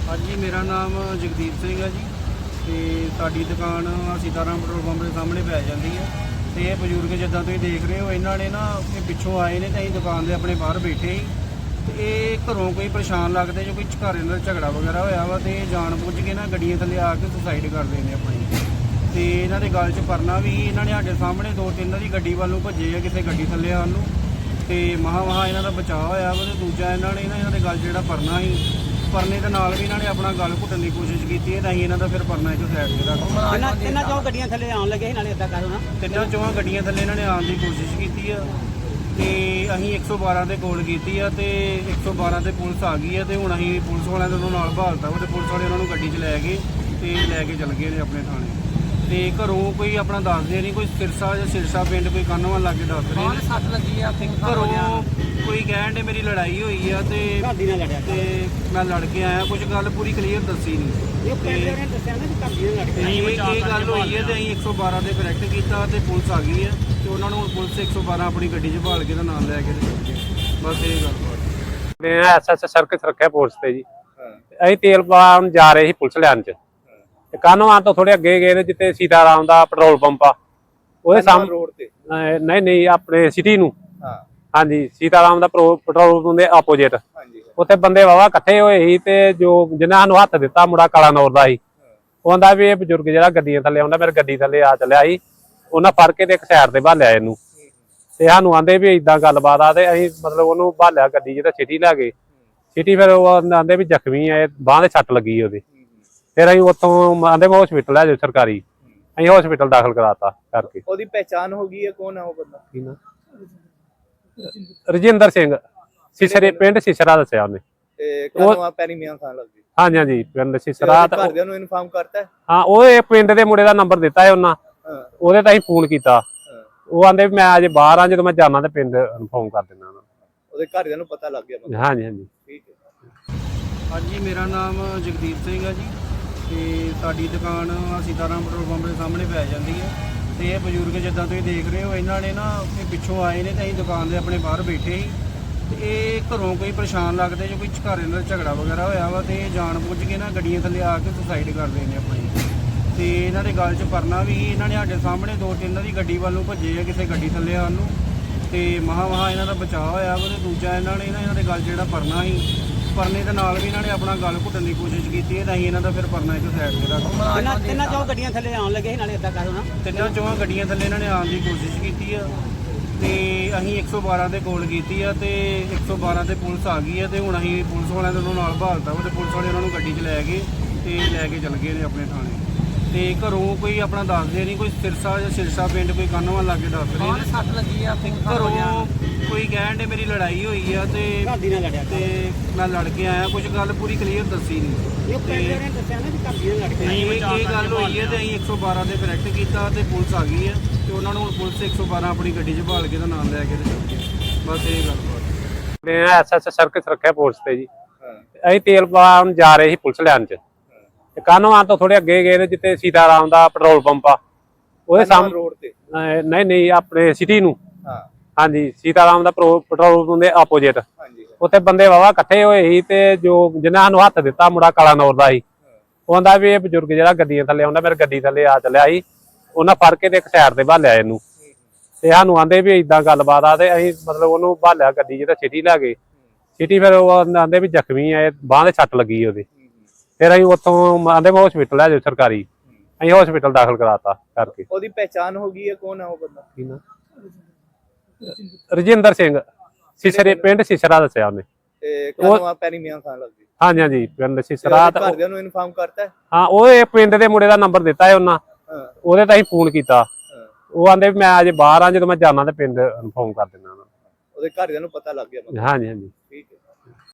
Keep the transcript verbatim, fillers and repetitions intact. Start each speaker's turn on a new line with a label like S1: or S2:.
S1: हाँ जी, मेरा नाम जगदीप सिंह है जी। तो साड़ी दुकान सीताराम पेट्रोल पंप के सामने पै जाती है। तो ये बजुर्ग जिदा तुम देख रहे हो, इन्होंने ना पिछों आए ने, तो अं दुकान के अपने बाहर बैठे ही। तो ये घरों कोई परेशान लगते जो कोई घर इन्होंने झगड़ा वगैरह होया वा, तो जान बुझ के ना गड्डियां थले आके सुसाइड करते हैं अपनी। तो इन्हों के गल च परना भी इन्होंने साढ़े सामने दो तीन की गड्डी वालों भजे है, किसी गड्डी थले आलू। तो महा महा इन्हों का बचाव होया वा। तो दूजा इन्होंने ना इन्हों के गल जो परना ही परने के नाल भी इन्होंने अपना गल घुटन की कोशिश की है। तो अं इन्हों का फिर परना एक साइड से रख
S2: तिना चौ गड्डियां थले आउण लगे नाले इदां करो ना
S1: तिना चौहां गड्डियां थले इन्होंने आने की कोशिश की है। तो अं एक सौ बारह से कॉल की है, तो एक सौ बारह से पुलिस आ गई है। तो हूँ अं पुलिस वाले दोनों नाल बहालता वा, तो पुलिस वाले उन्होंने गड्डी च लै गए, तो लैके चल गए अपने थाने। तो घरों कोई अपना दसदे नहीं, कोई सिरसा या सिरसा पिंड कोई कानों लागे दस रहे
S2: सट लगी आ
S1: घरों कोई कहण दे मेरी लड़ाई हुई है। तो
S2: घादी नाल लड़िया
S1: ते मैं लड़ के आया, कुछ गल पूरी क्लीयर दसी नहीं।
S2: ये पिंड ने दस्सिया ना कि घादी नाल लड़
S1: ते ये गल हुई है, तो अं एक सौ बारह से करैक्ट किया, तो पुलिस आ गई है। तो उन्होंने हूँ पुलिस एक सौ बारह अपनी गड्डी च भाल के नाम लैके बस ये गल।
S3: एस एस सर्किट रखा पुलिस से जी। अं तेल पान जा रहे ही पुलिस लैन च कानों तो थोड़े अगे गए जिते सीताराम का पेट्रोल पंप आ ਉਹਦੇ ਸਾਹਮਣੇ नहीं नहीं अपने सिटी ਨੂੰ हाँ जी सीताराम ਦਾ पेट्रोल पंप ਦੇ ਆਪੋਜੀਟ ਉੱਥੇ ਬੰਦੇ ਵਾਵਾ ਇਕੱਠੇ ਹੋਏ ਸੀ। ਤੇ ਜੋ ਜਿਨ੍ਹਾਂ ਸਾਨੂੰ ਹੱਥ ਦਿੱਤਾ ਮੁੰਡਾ ਕਾਲਾ ਨੌਰ ਦਾ ਸੀ, ਉਹ ਕਹਿੰਦਾ ਵੀ ਇਹ ਬਜ਼ੁਰਗ ਜਿਹੜਾ ਗੱਡੀਆਂ ਥੱਲੇ ਆਉਂਦਾ ਮੇਰੇ ਗੱਡੀ ਥੱਲੇ ਆ ਚੱਲਿਆ ਸੀ, ਉਹਨਾਂ ਫੜ ਕੇ ਤੇ ਇੱਕ ਸਾਈਡ ਤੇ ਭਾਲਿਆ ਇਹਨੂੰ। ਤੇ ਸਾਨੂੰ ਆਂਦੇ ਵੀ ਇਦਾਂ ਗੱਲਬਾਤ ਆ, ਤੇ ਅਸੀਂ ਮਤਲਬ ਉਹਨੂੰ ਭਾਲਿਆ ਗੱਡੀ 'ਚ ਤੇ ਸਿਟੀ ਲੈ ਗਏ। ਸਿਟੀ ਫਿਰ ਉਹ ਆਂਦੇ ਵੀ ਜ਼ਖਮੀ ਆ, ਬਾਂਹ ਦੇ ਸੱਟ ਲੱਗੀ ਉਹਦੇ। फिर अं उतों आंदे मैं हॉस्पिटल है जो सरकारी, अं हॉस्पिटल दाखिल कराता करके।
S4: ओदी पहचान हो गई है कौन है वो बंदा?
S3: रजिंदर सिंह सिसरे पिंड सिसरा दस्सिया उन्हें। हाँ जी हाँ जी पिंड सिसरा।
S4: इन्फॉर्म करता है
S3: हाँ वो पिंड के मुंडे का नंबर दिता है उन्हें, ओहदे ताईं फोन किया। वो आंदे मैं अजे बाहर हाँ, जो मैं जाना तो पिंड इन्फॉर्म कर देना।
S4: ओहदे घरदियां नूं पता लग गया?
S3: हाँ जी हाँ जी
S4: ठीक है।
S1: हाँ जी, मेरा नाम जगदीप सिंह है जी। तो साड़ी दुकान सीताराम पेट्रोल पंप के सामने पै जाती है। तो ये बजुर्ग जिदा तुम देख रहे हो, इन्होंने ना पिछों आए ने, तो अं दुकान के अपने बाहर बैठे ही। तो ये घरों कोई परेशान लगते जो कोई घर इन्होंने झगड़ा वगैरह होया वा, तो जान बुझ के ना गड्डियां थले आके सुसाइड करते हैं अपनी। तो इन्हों के गल च परना भी इन्होंने साढ़े सामने दो तीन की गड्डी वालों भजे है, किसी गड्डी थले आलू। तो महा महा इन्हों का बचाव होया वा। तो दूजा इन्होंने ना इन्हों के गल जो परना ही परने के नाल भी इन्होंने अपना गल घुटन की कोशिश की है। तो अं इन्हों का फिर परना एक साइड से रख
S2: तिना चौ गड्डियां थले आउण लगे नाले इदां करो ना
S1: तिना चौहां गड्डियां थले इन्होंने आने की कोशिश की है। तो अं एक सौ बारह से कॉल की है, तो एक सौ बारह से पुलिस आ गई है। तो हूँ अं पुलिस वाले दोनों नाल बहालता वा, तो पुलिस वाले उन्होंने गड्डी च लै गए, तो लैके चल गए अपने थाने। तो घरों कोई अपना दसदे नहीं, कोई सिरसा या सिरसा पिंड कोई कानों लागे दस रहे
S2: सट लगी आ
S1: घरों कोई कहण दे मेरी लड़ाई हुई है। तो
S2: घादी नाल लड़िया
S1: ते मैं लड़ के आया, कुछ गल पूरी क्लीयर दसी नहीं।
S2: ये पिंड ने दस्सिया ना कि घादी नाल लड़
S1: ये ये गल हुई है, तो अं एक सौ बारह से करैक्ट किया, तो पुलिस आ गई है। तो उन्होंने हूँ पुलिस एक सौ बारह अपनी गड्डी च भाल के नाम लैके बस ये गल।
S3: एस एस सर्किट रखा पुलिस से जी। अं तेल पान जा रहे ही पुलिस लैन च कानों तो थोड़े अगे गए जिते सीताराम का पेट्रोल पंप आ ਉਹਦੇ ਸਾਹਮਣੇ नहीं नहीं अपने सिटी ਨੂੰ हाँ जी सीताराम ਦਾ पेट्रोल पंप ਦੇ ਆਪੋਜੀਟ ਉੱਥੇ ਬੰਦੇ ਵਾਵਾ ਇਕੱਠੇ ਹੋਏ ਸੀ। ਤੇ ਜੋ ਜਿਨ੍ਹਾਂ ਸਾਨੂੰ ਹੱਥ ਦਿੱਤਾ ਮੁੰਡਾ ਕਾਲਾ ਨੌਰ ਦਾ ਸੀ, ਉਹ ਕਹਿੰਦਾ ਵੀ ਇਹ ਬਜ਼ੁਰਗ ਜਿਹੜਾ ਗੱਡੀਆਂ ਥੱਲੇ ਆਉਂਦਾ ਮੇਰੇ ਗੱਡੀ ਥੱਲੇ ਆ ਚੱਲਿਆ ਸੀ, ਉਹਨਾਂ ਫੜ ਕੇ ਤੇ ਇੱਕ ਸਾਈਡ ਤੇ ਭਾਲਿਆ ਇਹਨੂੰ। ਤੇ ਸਾਨੂੰ ਆਂਦੇ ਵੀ ਇਦਾਂ ਗੱਲਬਾਤ ਆ, ਤੇ ਅਸੀਂ ਮਤਲਬ ਉਹਨੂੰ ਭਾਲਿਆ ਗੱਡੀ 'ਚ ਤੇ ਸਿਟੀ ਲੈ ਗਏ। ਸਿਟੀ ਫਿਰ ਉਹ ਆਂਦੇ ਵੀ ਜ਼ਖਮੀ ਆ, ਬਾਂਹ ਦੇ ਸੱਟ ਲੱਗੀ ਉਹਦੇ। फिर अं उतों आंदे मैं हॉस्पिटल है जो सरकारी, अं हॉस्पिटल दाखिल कराता करके।
S4: ओदी पहचान हो गई है कौन है वो बंदा?
S3: रजिंदर सिंह सिसरे पिंड सिसरा दस्सिया उन्हें। हाँ जी हाँ जी पिंड सिसरा।
S4: इन्फॉर्म करता है
S3: हाँ वो पिंड के मुंडे का नंबर दिता है उन्हें, ओहदे ताईं फोन किया। वो आंदे मैं अजे बाहर हाँ, जो मैं जाना तो पिंड इन्फॉर्म कर देना।
S4: ओहदे घरदियां नूं पता लग गया?
S3: हाँ जी हाँ जी
S4: ठीक है।